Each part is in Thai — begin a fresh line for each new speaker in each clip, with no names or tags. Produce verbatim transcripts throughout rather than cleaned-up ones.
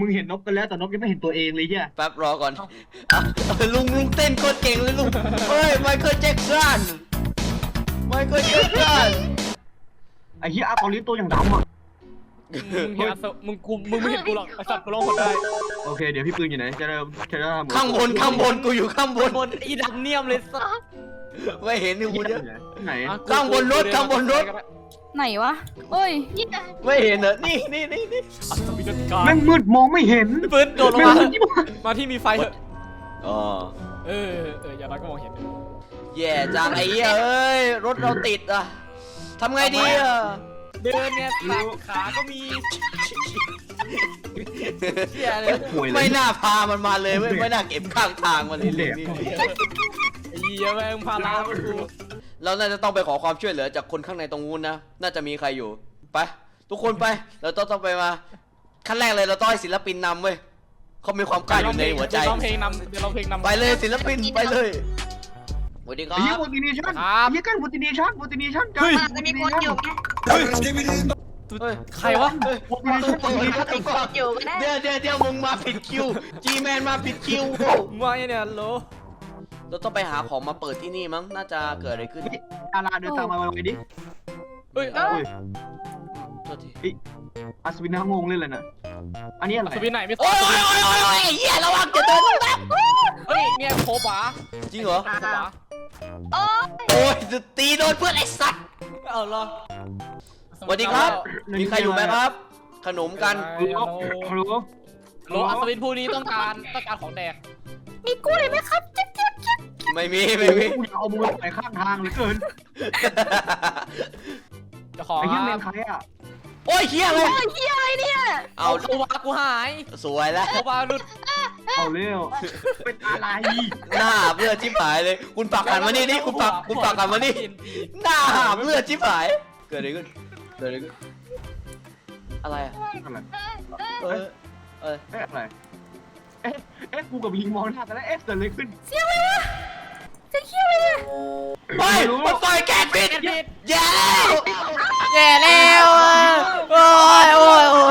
งเห็นนกกันแล้วแต่นกยังไม่เห็นตัวเองเลยเฮีย
แป๊บรอก่อนอ่ะลุงลุงเต้นโคตรเก่งเลยลุงเฮ้ยไมเคิลแจ็คสันไมเคิลแจ็คสัน
ไอ้เฮียอาร์ตอลิสตัวอย่างดำอ่ะ
มึงเห็นมึงกูมึงไม่เห็นกูหรอกไอสัตว์กูร้องหมดได้
โอเคเดี๋ยวพี่ปืนอยู่ไหนจะเริ่มจะเริ่ม
ข้างบนข้างบนกูอยู่ข้างบน
บนอีดันเนียมเลยสัส
ไม่เห็นนี่กูเยอะ
ไหน
ข้างบนรถข้างบนรถ
ไหนวะเอ้ย
ไม่เห็นเหรอนี่นี่นี่นี่
อัศวินการ
แม่งมืดมองไม่เห็น
ปืนโดดลง
แม่ง
มา
มืดที่บ้าน
มาที่มีไฟเถอะ
อ๋อ
เออเอออย่างน้อยก็มองเห็น
แย่จังไอ้เหี้ยเอ้ยรถเราติดอ่ะทำไงดีอ่ะ
เดินเนี่ยสับขาก็มีเชี่ยเลย
ป่วยเล
ไม่
ย
น่าพามันมาเลยเว้ยไม่น่าเก็บข้างทางมันเลยนี่
ไอ้เหี้ยแม่งพาลาไปกู
เราน่าจะต้องไปขอความช่วยเหลือจากคนข้างในตรงนู้นนะน่าจะมีใครอยู่ไปทุกคนไปเราต้องต้องไปมาขั้นแรกเลยเราต้องให้ศิลปินนำเว้ยเขามีความกล้าอยู่ในหัวใจ
ร้องเพลงนำเดี๋ยวร้องเพลงนำ
ไปเลยศิลปินไปเลยสวัสดีครั
ไอ้เฮีย
บ
โมติเนชั่น
ครับ
เฮียกันโมติเนชั่นโมติเนชั่นกัน
มันมีคนอยู่ไหม
เฮ้ย
ใครวะ
โมติเนชั่นโมติเนชั่น
มีคนอยู่ก็ได้
เดี๋ยวเดี๋ยวเดี๋ยวมึงมาผิดคิวจีแมนมาผิดคิว
มาไงเนี่ยโล
เราต้องไปหาของมาเปิดที่นี่มั้งน่าจะเกิดอะไรขึ้น
ดาราเดินตามมาไว้ดิ
เฮ้ย
เฮ้ย
โทษที
อัศวินน่างงเลยเลยน่ะอันนี้อะไร
สวินไหนไม่
โอ้ยโอ้ยโอ้ยโอ้ยโอ้ยเหี้ยระวังจะเดินลงน้
เฮ้ยเนี่ยโคบะ
ำจริงเหรอ
โคบะ
โอ้
โอ้ยจะตีโดนเพื่อนไอ้สัตว์
เอาล่ะ
สวัสดีครับ มีใครอยู่ไหมครับ ขนมกัน
ฮัลโหลฮัลโหล
โลอัศวินผู้นี้ต้องการต้องการของแดก
มีกู้เลยไหมครับจ๊กจ๊กจ๊ก
ไม่มีไม่มี
กูอยากเอามือไปข้างทางเหลือเกิน
จะขอ
ไอ้เฮียเมนใครอ่ะ
โอ้ยเฮียเลย
โอ้ยเฮียอะไรเนี่ย
เอา
เอาโคบะกูหาย
สวยแล้ว
โคบะหลุด
เอาเร็วเป็นอะไร
หน้าเพื่อนชิบหายเลย คุณปักหันมานี่นี่คุณปักคุณปักหันมานี่หน้าหาเพื่อนชิบหาย เกิดอะไรขึ้นเกิดอะไรขึ้นอะไรอะ
อะไร
เออเออ
เอ๊ะอะไรเอ๊ะเอ๊ะกูกับลิงมองหน้าแต่แล้วเอ๊ะเกิดอะไรขึ้น
เสียงอะไรวะจะเฮียอะไรเนี่ย
เฮ้ยมันต่อยแกนผิดแย่
แย่แล้วโอ้ยโอ้ยโอ้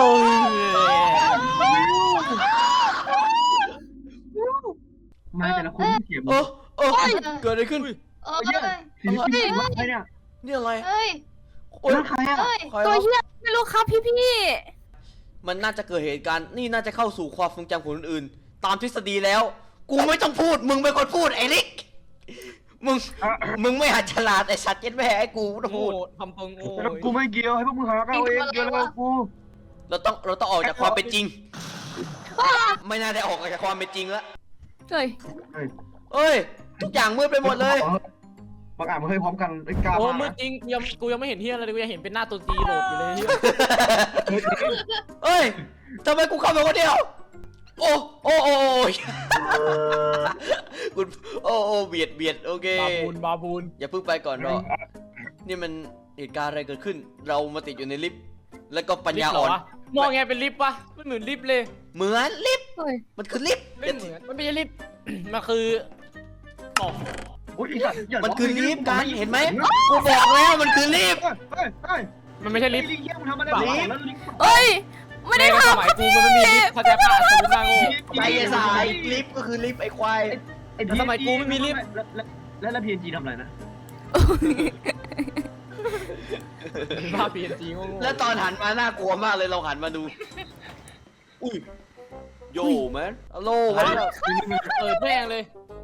ย
มาแต่ละคนที่เสียง
โอ้โอ้เกิดอะไรขึ้น
เออ
เฮียศิลปินว่าใครเนี่ย
นี่อะไร
เฮ้ย
โอ้ย
นั่นใครอ่ะ
เฮ้ย
ใคร
ตัว
วะ
เฮียไม่รู้ครับพี่พี่
มันน่าจะเกิดเหตุการณ์นี่น่าจะเข้าสู่ความทรงจำของคนอื่น ตามทฤษฎีแล้ว กูไม่ต้องพูด มึงเป็นคนพูดไอ้ลิก มึง มึงไม่หัดฉลาดไอ้สัตว์เย็ดแม่ไอ้กูต้อง
โง่
พูด
ทำตรงโง่
แล้วกูไม่เกี่ยวให้พวกมึงหาเอาเองเกี่ยวแล้วกู
เราต้องเราต้องออกจากความเป็นจริง ไม่น่าได้ออกจากความเป็นจริงแล้ว
เฮ้ย
เอ้ย ทุกอย่างมืดไปหมดเลย
บางอ่านมาเฮ้ยพร้อมกันไอ้กา
โอ้
มา
มืดจริงกูยังกูยังไม่เห็นเฮียอะไรเลยกูยังเห็นเป็นหน้าตัวตีโหลดอยู่เลยเฮีย
เอ้ยทำไมกูเข้าไปคนเดียว โอ้โอ้โอ้กูโอ้โอ้เบียดเบียดโอเค
บาบูนบาบูน
อย่าเพิ่งไปก่อนรอนี่มันเหตุการณ์อะไรเกิดขึ้น เรามาติดอยู่ในลิฟต์ แล้วก็ปัญญาอ่อน
มองไงเป็นลิฟต์ปะไม่เหมือนลิฟต์เลย
เหมือนลิฟต์
เฮ้ย
มันคือลิฟต์
ไม่เหมือนมันไม่ใช่ลิฟต์ มันคืออ๋อ
มันคือลิฟต์กันเห็นไหมกูบอกแล้วมันคือลิฟต์
เฮ้ยเฮ้ย
มันไม่ใช่ลิ
ลิ
ฟ
ฟ
ต์
ต์เฮียมึงทำอะไรบ้างแล้วลิฟต์
เฮ้ยไม่ได้
ในส
ทำ
มัยกูมันไม่มีลิฟต์เข้าใจป่ะสมมติว่าโง่
ไอ้สายลิฟต์ก็คือลิฟต์ไอ้ควาย
สมัยกูไม่มีลิฟต์
แล้วแล้วพีเอ็นจีทำอะไรนะ
ภาพเปลี่ยนจริงโง่
แล้วตอนหันมาน่ากลัวมากเลยเราหันมาดู อุ้ยโย่แมนฮัลโหลวันนี้
เออแม่งเลย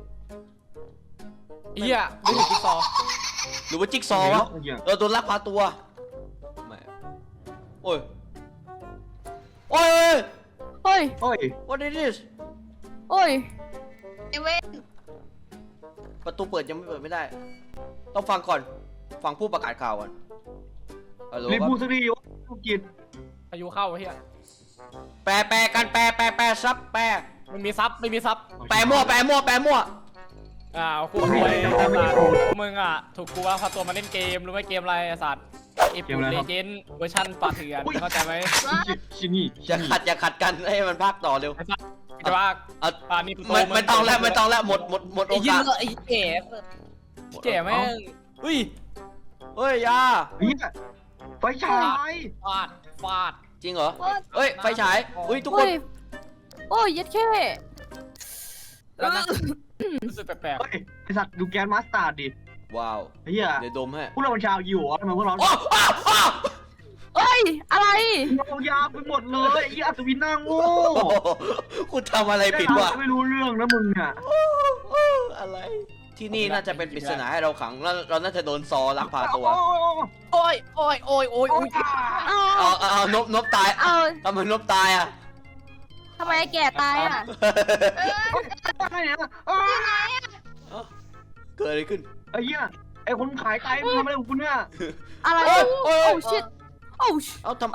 เฮียไม่ถึงจิ๊กซอว์
หรือว่าจิ๊กซอว์วะเราโดนลักพาตัวแหมโอ้ยโอ้ย
เฮ้ย
โอ้ย
what is this
โอ้ย
ไอเว้น
ประตูเปิดยังไม่เปิดไม่ได้ ต้องฟังก่อน ฟังผู้ประกาศข่าวก่อนฮัลโหล
รีบ
ครับ
พูดสักทีวะกูกิน
พายุเข้าเฮีย
แปลแปลกันแปลแปลแปลซับแปล
ไม่มีซับไม่มีซับ
แปลมั่วแปลมั่วแปลมั่ว
อ่ากูรวยมึงอ่ะถูกกูว่าพาตัวมาเล่นเกมรู้ไหมเกมอะไรไอ้สัตว์เอฟเลเจนด์เวอร์ชันป่าเถื่อนเข้าใจไหม
ชินี่
อย่าขัดอย่าขัดกันให้มันพากต่อเร็ว
ไอ้สัตว์จะว่า
เอา
ป่านี่
ไม่ไม่ต้องแล้วไม่ต้องแล้วหมดหมดหมดโอ
ไอ้ยี่
กาส
ไอ้แก่แก่แม่งอุ้ย
เฮ้ยยา
เฮียไฟฉาย
ฟาดฟาด
จริงเหรอเฮ้ยไฟฉายอุ้ยทุกคน
เฮ้ยโอ้ยยัดแค่
แล้วนะรู้สึกแปลก
เฮ้ยไอสัตว์ดูแกนมาสตาร์ดดิ
ว้าว
ไอ้เหี้ย
เดี๋ยวดมให้
พวกเราเป็นชาวยิวเหรอทำไมพวกเรา
อ้าวอ้าวอ้าว
เอ้ยอะไร
เรายาวไปหมดเลยไอ้เหี้ยอัศวินหน้าโง่
โอ้โหคุณทำอะไรผิดวะ
ไม่รู้เรื่องนะมึงอ่ะ
อะไร ที่นี่น่าจะเป็นปริศนาให้เราขังแล้วเราน่าจะโดนซอลักพาตัว
ๆโอ้ยโอ้ยโอ้ยโอ้ย
โอ้
โอ้
ย
ย
เอา
เอาเอาเอานบนบตาย
เอา
ทำไมนบตายอ่ะ
ทำไมไอ้แก่ตายอ่ะ
อะไรเนี่ยเอ้ย
เกิดอะไรขึ้น
ไอ้เหี้ยไอ้คนขายไตมึงทำอะไรของคุณเนี่ย
อะไร
โอ้
โอ้
ยโอ้ย
ชิตโอ้ช
เอาทำ
โอ้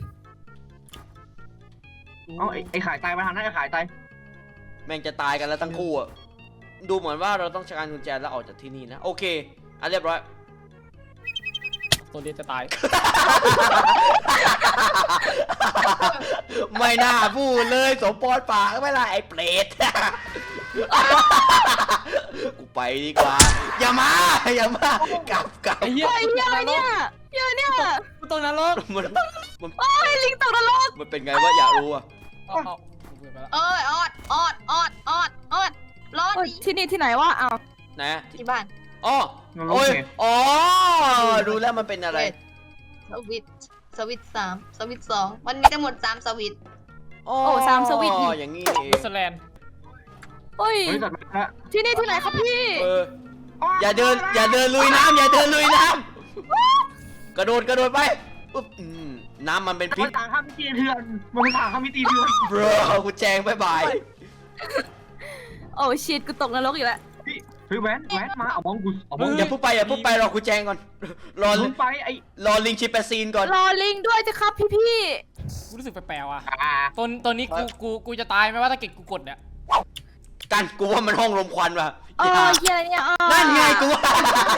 เอาไอ้ไอ้ขายไตมาทางนั้นไอ้ขายไต
แม่งจะตายกันแล้วทั้งคู่อ่ะ ดูเหมือนว่าเราต้องใช้การกุญแจแล้วออกจากที่นี่นะ โอเคอ่ะเรียบร้อย
ตัวเรียนจะตาย
ไม่น่าพูดเลยสมปอนปากไม่ล่ะไอ้เปรต กูไปดีกว่า อย่ามา อย่ามากลับกลับ
ไอ้เหี้ย
เฮ้ยเหี้ยอะไรเนี่ยเหี้ยเนี่ย
กูตรงนรก
มันมัน
โอ้ยลิงตกนรก
มันเป็นไงวะอยากรู้อ่ะ
เอาเอากูเบื่อไปแล้ว
เอ้ยออดออดออดออดออดรอด
โอ้ย
ดิ
ที่นี่ที่ไหนวะอ้าว
นะ
ที่บ้าน
อ๋อโอ้ยอ๋อรู้แล้วมันเป็นอะไร
สวิตช์สวิตช์สามสวิตช์สองมันมีทั้งหมดสามสวิตช์
อ๋ออย่างนี้เอ
นิ
ง
วซีแลนด์
โอ้ย
เฮ้ยจัดมาแล้ว
ที่นี่ที่ไหนครับพี่
เอออย่าเดิน อย่าเดินลุยน้ำอย่าเดินลุยน้ำกระโดดกระโดดไปปุ๊บอืมน้ำมันเป็นพิ
มั
ษ
นต่างข้ามมิติเถื่อนมันต่างข้ามมิติเถื่อน
บรกูแจงบายบาย
โอ้ชิตกูตกนรกอีกแล้ว
เฮ้ยแวนแวนมาเอามองกูเอามอง
อย่าพูดไปอย่าพูดไปรอกูแจงก่อน รอ
มึงไปไอ้
รอลิงชิปแปซีนก่อน
รอลิงด้วยจะครับพี่พี่
กูรู้สึกแปลกๆว่ะ
อ่า
ตอนตอนนี้กูกูกูจะตายไหมว่าถ้าเกิดกูกดเนี่ย
กันกูว่ามันห้องลมควันว่ะ
เออเหี้ยอะไรเนี่ยเออ
นั่นไงกูว่า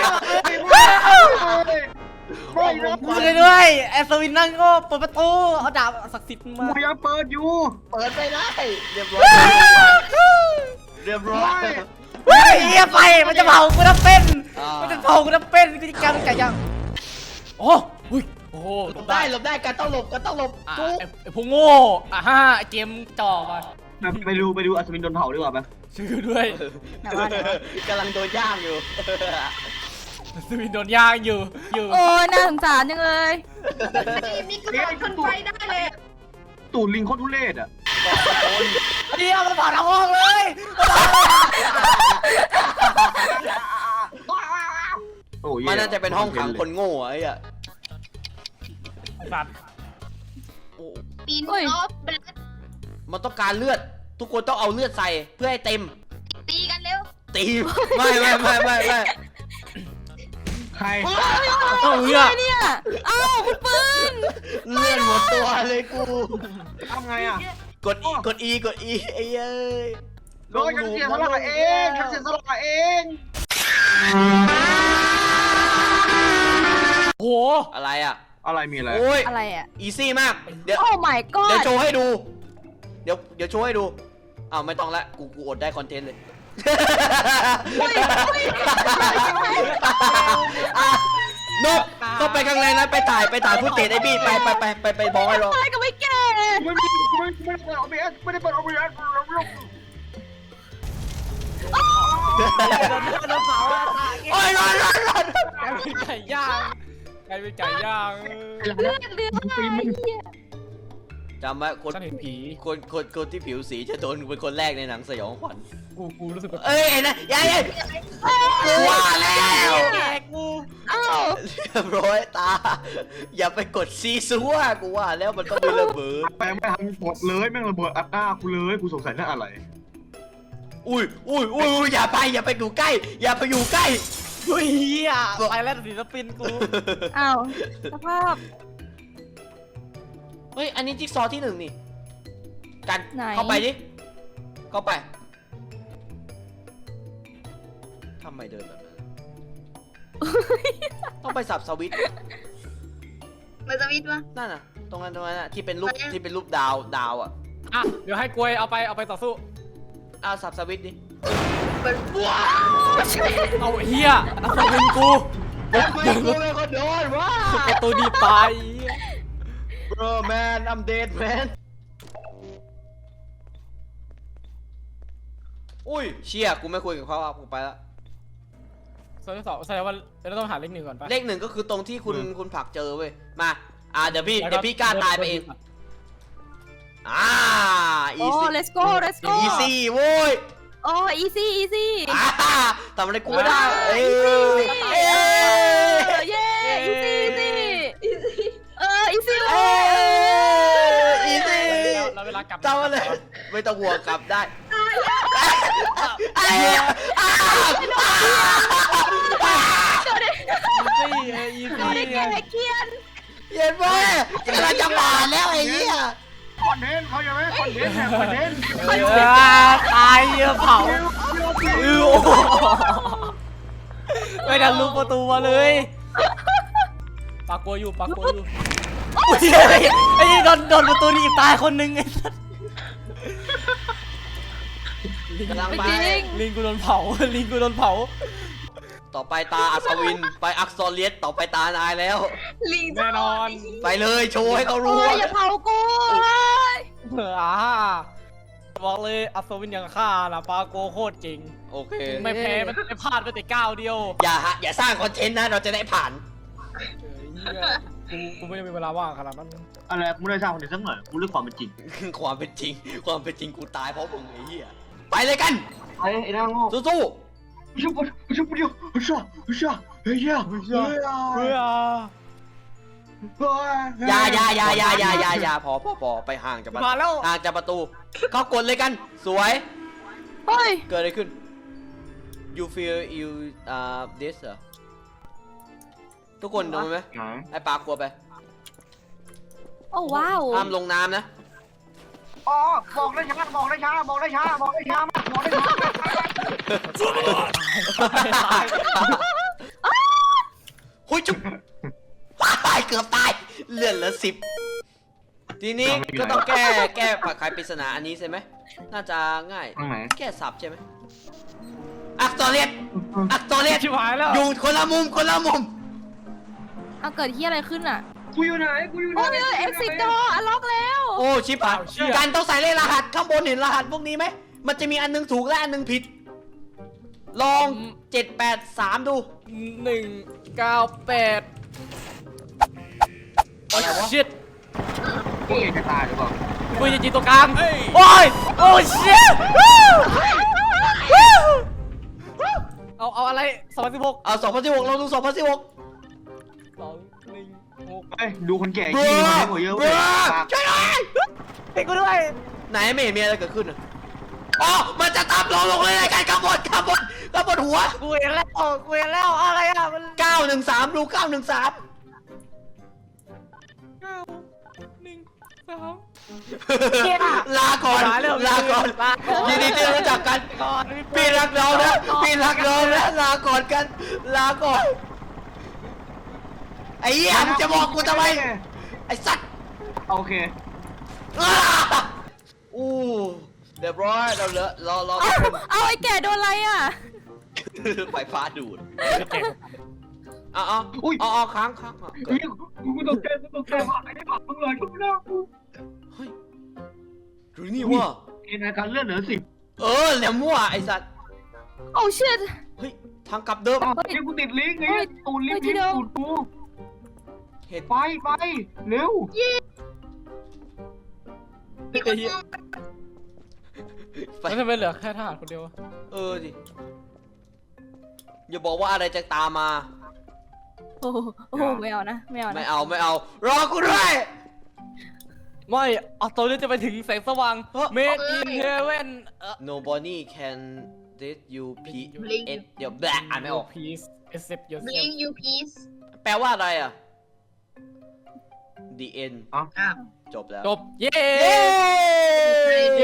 ไม่นะ
กูเลยด้วยแอสวินนั่งก็เปิดประตูเอาดาบศักดิ์สิทธิ์มา
กูยังเปิดอยู่
เปิดไปได้เรียบร้อยเรียบร้อย
เฮ้ยเฮียไฟมันจะเผากูน้ำเป็นมันจะเผากูน้ำเป็นกูจะกำไก่ย่างโอ้หุ้ยโอ้โห
หลบได้หลบได้กันต้องหลบกันต้องหลบ
อ่ะ
จุ๊บ
ไอ้ไอ้พวกโง่อ่ะฮะไอ้เกมจ่อมา
ไปดูไปดูอัศวินโดนเผาดีกว่าไหม
ช่วยกูด้วย
กำลังโดนย่างอยู่
สวินโดนย่างอยู่อยู่
โอ้ยน่าสงสารจังเลย
มีกระโดดขึ้นไฟได้เลย
ตูดลิงโคตรทุเรศอ่ะ
เดียวมันเผาทั้งห้องเลย
โอ้ย
มันน่าจะเป็นห้องขังคนโง่อะไอ้อะ
ไอ้สัตว์
โอ้
ปีน
เฮ้ย
รอบเบลด
มันต้องการเลือด ทุกคนต้องเอาเลือดใส่เพื่อให้เต็ม
ตีกันเร็ว
ตีไม่ไม่ไม่ไม่ไม่
ใคร
เอ้าเฮีย
อะไรเนี่ยเอ้าคุณปืน
เลือดหมดตัวเลยกู
ทำไงอ่ะ
กดอีกดอีกดอีไอ้เอ้ย
โดยฉันเสียสละเองฉันเสียสละเอง
โห
อะไรอะ
อะไรมีอะไร
โอ้ย
อะไรอ่ะ
อีซี่มากเดี๋ยว
โอ้ my
เดี๋ยว
god
โชว์ให้ดู เดี๋ยวเดี๋ยวโชว์ให้ดูอ้าวไม่ต้องละกูกูอดได้คอนเทนต์เลย
เฮ้ยเฮ้ย
นกเข้าไปข้างในนั้นไปถ่ายไปถ่ายผู้เตะไอ้บี้ไปไปไปไปไปบอกให้รอ
ตายก็ไม่แก่
ไม่ไม่ไม่ไม่ได้เปิดโอบีเอสไม่ได้เปิดโอบีเอส
โอ้ยรอรอรอก
ลายเป็นไก่ย่างกลายเป็นไก่ย่าง
เลือดเลือด
จำไว้คน
ฉันเห็นผี
คนคนคนที่ผิวสีจะโดนเป็นคนแรกในหนังสยองขวัญ
กูกูรู้สึกแบบ
เอ้ยเห็นนะยายยายกูว่าแล้ว
แกกู
เอ้า
เรียบร้อยตา อย่าไปกดซีซัวกูว่าแล้วมันต้องมีระเบิด
แม่งไม่ทำหมดเลยแม่งระเบิดอัดหน้ากูเลยกูสงสัยเรื่องอะไร
อุ้ยอุ้ยอุ้ยอย่าไปอย่าไปอยู่ใกล้ อย่าไปอยู่ใกล้
เฮ้ยเฮียไปแล้วศิลปินกู
เอ้าสภาพ
เฮ้ยอันนี้จิ๊กซอว์ที่หนึ่งนี่กัน
ไหน
เข้าไปดิเข้าไปทำไมเดินแบบนั้นต้องไปสับสวิตช์
มาสวิตช์วะ
นั่นน่ะ ตรงนั้นตรงนั้นน่ะที่เป็นรูป
ไปยัง
ที่เป็นรูปดาวดาวอ่ะ
อ่ะเดี๋ยวให้กลวยเอาไปเอาไปต่อสู้
เอาสับสวิตช์ดิ
เปิดว้า
เอาเฮียนักสวินกู
ไม่กูเป็นคนโดนว้า
ประตูดีตาย
bro man I'm dead man อุ้ยเชี่ยกูไม่คุยกับเขาอ่ะกูไปละ
โซนที่สองแสดงว่าเราต้องหาเลขหนึ่งก่อนปะ
เลขหนึ่งก็คือตรงที่คุณคุณผลักเจอเว้ยมาอ่าเดี๋ยวพี่เดี๋ยวพี่กล้าตายไปเองอ่า
โอ้
easy
let's go let's go
easy โว้ย
โอ้ easy easy
อ่าทำอะไรกูไม่ได้เอ้ย
เอ
เอ้
อย เย้ easy easy เออ easy
เอ้ย easy
เราเวลากลับ
จำมาเลยไม่ต้องห่วงกลับได้ไอ้อ้า
ซี่เอออี
โดนได้
ซี่
แก่เกียน
เย็นเว้ยกำลังจะมาแล้วไอ้เหี้ย
คอนเทนต์เขาจะไหมคอนเทนต์เนี่ยคอนเทนต์
เออตายเยอะเผาเออโอ้โหไม่ดันลูกประตูมาเลยปากกลัวอยู่ปากกลัวอยู่อุ้ยไอ้นี่โดนโดนประตูนี่ตายคนนึงไอ้สัส
กำลัง
ไม่
ไป
จริง
ลิงกูโดนเผาลิงกูโดนเผา
ต่อไปตาอัศวินไปอักษรเลียสต่อไปตานายแล้ว
ลิง
แน่นอน
ไปเลยโชว์ให้เขา
โอ้
รู้
ยอย่าเผากูเฮ้ย
เอออ่าบอกเลยอัศวินอย่างข้านะปาโกโคตรจริง
โอเค
ไม่แพ้มันไม่พลาดไปแต่ก้าวเดียว
อย่าฮะอย่าสร้างคอนเทนต์นะเราจะได้ผ่าน
เออเหี้ยกูกูไม่ได้มีเวลาว่างขนาดนั้น
อะไรกูไม่ได้สร้างคอนเทนต์สักหน่อยกูเลือกความเป็นจริง
ความเป็นจริง ความเป็นจริงกูตายเพราะมึงไอ้เหี้ยไปเลยกัน
ไอ้ไอ้นางโง่
สู้
ชุบชุบเดียวชุบชุบเฮ้ยเฮ้ยเฮ้ย
เฮ้ยอ่ะ
ๆอย่าอย่าอย่าอย่าอย่าอย่าอย่าพอพอพอไปห่างจากประตู
มาแล้ว
ห่างจากประตูเข้ากดเลยกัน สวย
เฮ้ย
เกิดอะไรขึ้น you feel you uh this เหรอทุกคนโดนไหมไอ้ปากกลัวไป
โอ้ว้าว
ห้ามลงน้ำนะ
อ๋อบอกได้ช้าบอกได้ช้าบอกได้ช้าบอกได้ช้ามากบอกได้ช้า
หุยจุ๊บตายเกือบตายเลื่อนเหลือสิบทีนี้ก็ต้องแก้แก้ไขปริศนาอันนี้ใช่ไหมน่าจะง่าย
ตรงไหน
แก้สับใช่ไหมอักษรเลียสอักษรเลียส
ชิบหายแล้ว
อยู่คนละมุมคนละมุม
เอาเกิดที่อะไรขึ้นอ่ะ
กูอยู่ไหนกูอยู่ไหน
โอ้ย exit door อันล็อกแล้ว
โอ้ชิบหายการต้องใส่เลขรหัสข้างบนเห็นรหัสพวกนี้ไหมมันจะมีอันนึงถูกและอันนึงผิด ลองเจ็ดแปดสามดู
หนึ่งเก้าแปด โอ้
อะไรวะ
ชิต
กูเองจะตายหรือเปล่า
กูจะจีนตรงกลาง โอ้ย โอ้ชิตเอาเอาอะไรสองพันสิบหก
เอาสองพันสิบหกเราดูสองพันสิบหก
สองหนึ่งหก
เฮ้ยดูคนแก่
เบร
ขี้
อ
มาให้หัวเยอะ
เบ
เว้
ร
ย
อช่วยหน่อย
ให้กูด้วย
ไหนไม่เห็นมีอะไรเกิดขึ้นอ่ะอ๋อมันจะตามเราลงเลยรายการข้างบนข้างบนข้างบนหัว
กูเห็นแล้วกูเห็นแล้วอะไรอ่ะมัน
เก้าหนึ่งสามดูเก้าหนึ่งสาม
เก้าหนึ่งสาม
ลาก่อน
ลาแล้ว
ลาก่อน
ลาก่อน
ยินดีที่ได้รู้จักกัน
ก่อน
พี่รักเรานะพี่รักเรานะลาก่อนกัน ลาก่อนไอ้เหี้ยมึงจะบอกกูทำไมไอ้สัตว์
โอเค
อ้าอู้เรียบร้อยเราเหลือรอรอ
เอาเอาไอ้แก่โดนอะไรอ่ะ
ไฟฟ้าดูดอ๋ออ๋อ
อุ้ย
อ๋อค้างค้างอ่ะเกิ
เฮ้
ด
ยกูกูตกใจกูตกใจมากไอ้นี่ผักมึงเลยกูไม่ได้กู
เฮ้ยหรือนี่ว่า
เอ็นอาการเลื่อนเหลือสิบ
เออแหลมมั่วไอ้สัตว์
โอ้ shit
เฮ้ยทางกลับเดิม
อ้าวไอ้กูติดลิงก์ไง
เฮ้ย
ตูนลิฟต์
เฮ้ยที่
ลิฟ
เดิ
ต์
ม
ตูดกู
เห็ด
ไปไปเร็ว
มีคนมอง
ไฟ
แล้วทำไมเหลือแค่ทหารคนเดียววะ
เออดิอย่าบอกว่าอะไรจะตามมา
โอ้โหโอ้โหไม่เอานะไม่เอา
ไม่
นะ
เอาไม่เอา รอกูด้วย
ไม่เอาตัวนี้จะไปถึงแสงสว่าง
เฮ้ย
Made in Heaven เอ่อ
Nobody can let you p s เดี๋ยวแบะอ่านไม่ออก
Please accept
บลิ
yourself
งยูพีซ
แปลว่าอะไรอ่ะ The end
อ้าว
จบแล้ว
จบ เย้
เย้
เย้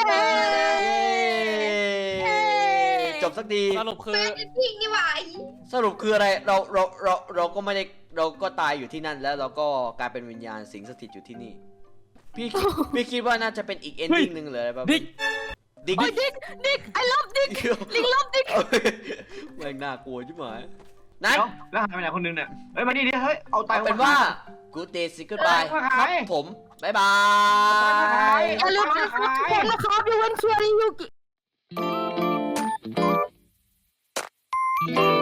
จบสักที
สรุปคือ
แฟนเป็นพิงนี่หว่า
สรุปคืออะไร เราเราเราเราก็ไม่ได้เราก็ตายอยู่ที่นั่นแล้วเราก็กลายเป็นวิญญาณสิงสถิตอยู่ที่นี่ พี่คิดพี่คิดว่าน่าจะเป็นอีกเอนดิ้งหนึ่งเลยอะไรแบบ
ดิ๊ก
ดิ๊ก
โอ้ยดิ๊กดิ๊ก I love ดิ๊กลิง love ดิ๊ก
แม่งน่ากลัวใช่ไหมไหน
เดี๋ยวแล้วหายไปไหนคนนึงเนี่ยเฮ้ยมานี่ดิเฮ้ยเอาไต
เอาเป็นว่า good day say goodbye ครับผม บ๊ายบาย
อย่าลืมนะครับทุกคนนะครับยูเวนเชียร์ยูกิอีซี่